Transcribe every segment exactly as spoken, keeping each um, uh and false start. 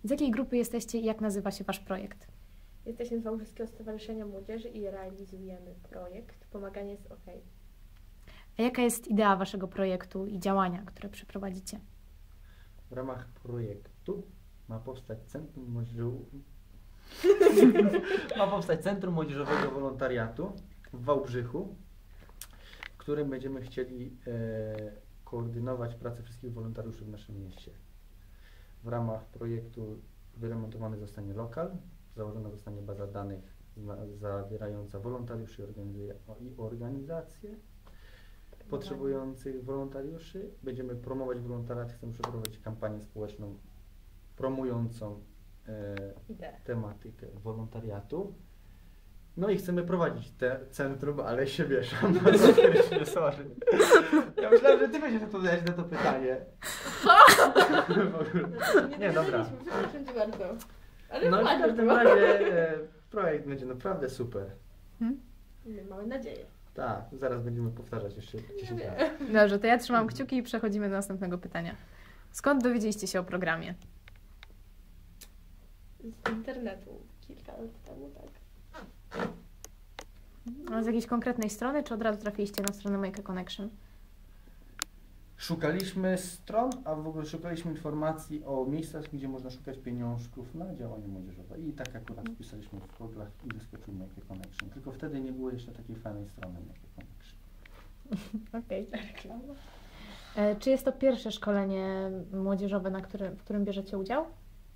Z jakiej grupy jesteście i jak nazywa się Wasz projekt? Jesteśmy z Wałbrzyskiego Stowarzyszenia Młodzieży i realizujemy projekt Pomaganie jest OK. A jaka jest idea Waszego projektu i działania, które przeprowadzicie? W ramach projektu ma powstać Centrum Młodzieżowego, ma powstać Centrum Młodzieżowego Wolontariatu w Wałbrzychu, w którym będziemy chcieli e, koordynować pracę wszystkich wolontariuszy w naszym mieście. W ramach projektu wyremontowany zostanie lokal, założona zostanie baza danych zna, zawierająca wolontariuszy i organizacje potrzebujących wolontariuszy. Będziemy promować wolontariat, chcemy przeprowadzić kampanię społeczną promującą e, tematykę wolontariatu. No i chcemy prowadzić te centrum, ale się mieszam. Sorry. Ja myślałem, że ty będziesz odpowiadać na to pytanie. Nie, Nie, dobra. Przepraszam cię bardzo. Ale no i w fajnie każdym było. razie e, projekt będzie naprawdę super. Hmm? Mamy nadzieję. Tak, zaraz będziemy powtarzać jeszcze dziesięć Nie. razy. Dobrze, to ja trzymam kciuki i przechodzimy do następnego pytania. Skąd dowiedzieliście się o programie? Z internetu kilka lat temu, tak. A z jakiejś konkretnej strony, czy od razu trafiliście na stronę Make a Connection? Szukaliśmy stron, a w ogóle szukaliśmy informacji o miejscach, gdzie można szukać pieniążków na działania młodzieżowe. I tak akurat wpisaliśmy w Google'ach i wyskoczył Make a Connection. Tylko wtedy nie było jeszcze takiej fajnej strony Make a Connection. Okej. Okay. Czy jest to pierwsze szkolenie młodzieżowe, na którym, w którym bierzecie udział?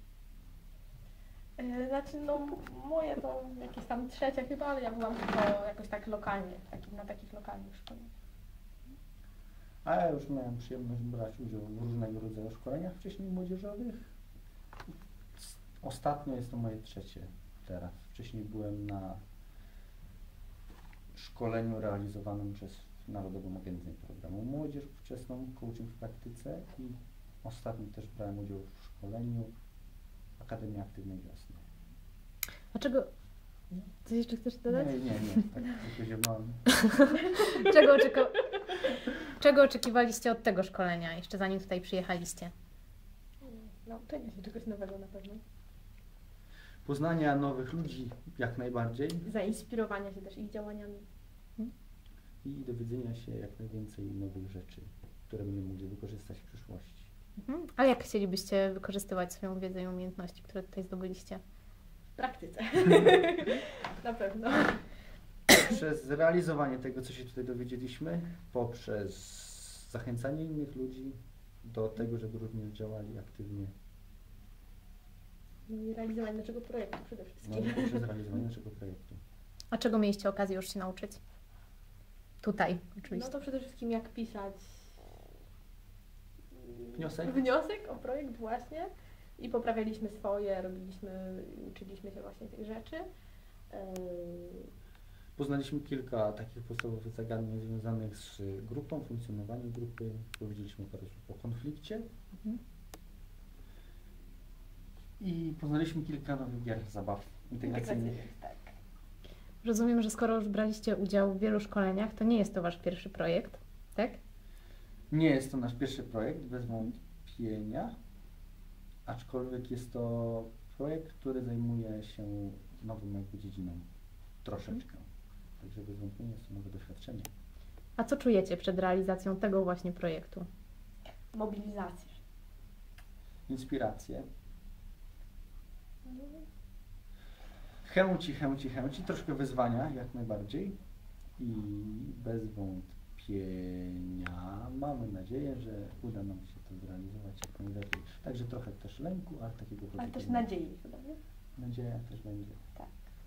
E, Znaczy, no moje to jakieś tam trzecie chyba, ale ja byłam tylko jakoś tak lokalnie, taki, na takich lokalnych szkoleniach. A ja już miałem przyjemność brać udział w różnego rodzaju szkoleniach wcześniej młodzieżowych. Ostatnio jest to moje trzecie teraz. Wcześniej byłem na szkoleniu realizowanym przez Narodową Agencję Programu Młodzież Wczesną, coaching w praktyce i ostatnio też brałem udział w szkoleniu Akademii Aktywnej Wiosny. A czego... Coś jeszcze chcesz dodać? Nie, nie, nie. Tak tylko ziewałem. Czego, oczeko... Czego oczekiwaliście od tego szkolenia, jeszcze zanim tutaj przyjechaliście? Nauczenia się czegoś nowego na pewno. Poznania nowych ludzi jak najbardziej Zainspirowania się też ich działaniami. i dowiedzenia się jak najwięcej nowych rzeczy, które będziemy mogli wykorzystać w przyszłości. Mhm. A jak chcielibyście wykorzystywać swoją wiedzę i umiejętności, które tutaj zdobyliście? W praktyce. Na pewno. Przez realizowanie tego, co się tutaj dowiedzieliśmy, poprzez zachęcanie innych ludzi do tego, żeby również działali aktywnie, No i realizowanie naszego projektu przede no, wszystkim. i poprzez realizowanie naszego projektu. A czego mieliście okazję już się nauczyć? Tutaj, oczywiście. No to przede wszystkim jak pisać Wniosek? wniosek o projekt właśnie i poprawialiśmy swoje, robiliśmy, uczyliśmy się właśnie tych rzeczy. Yy, Poznaliśmy kilka takich podstawowych zagadnień związanych z grupą, funkcjonowaniem grupy. Powiedzieliśmy parę słów o konflikcie. Mhm. I poznaliśmy kilka nowych gier, zabaw integracyjnych. integracyjnych, tak. Rozumiem, że skoro już braliście udział w wielu szkoleniach, to nie jest to Wasz pierwszy projekt, tak? Nie jest to nasz pierwszy projekt, bez wątpienia, aczkolwiek jest to projekt, który zajmuje się nową jakby dziedziną troszeczkę. Także bez wątpienia jest to nowe doświadczenie. A co czujecie przed realizacją tego właśnie projektu? Mobilizację. Inspiracje. Chęci, chęci, chęci, troszkę wyzwania jak najbardziej i bez wątpienia mamy nadzieję, że uda nam się to zrealizować jak najlepiej. Także trochę też lęku, ale takiego Ale pozytywnego. też nadziei chyba, nie? Nadzieja też będzie. Tak.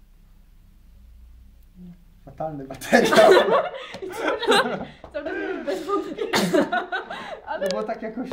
Fatalny materiał. Cały czas bez wątpienia. Ale No bo tak jakoś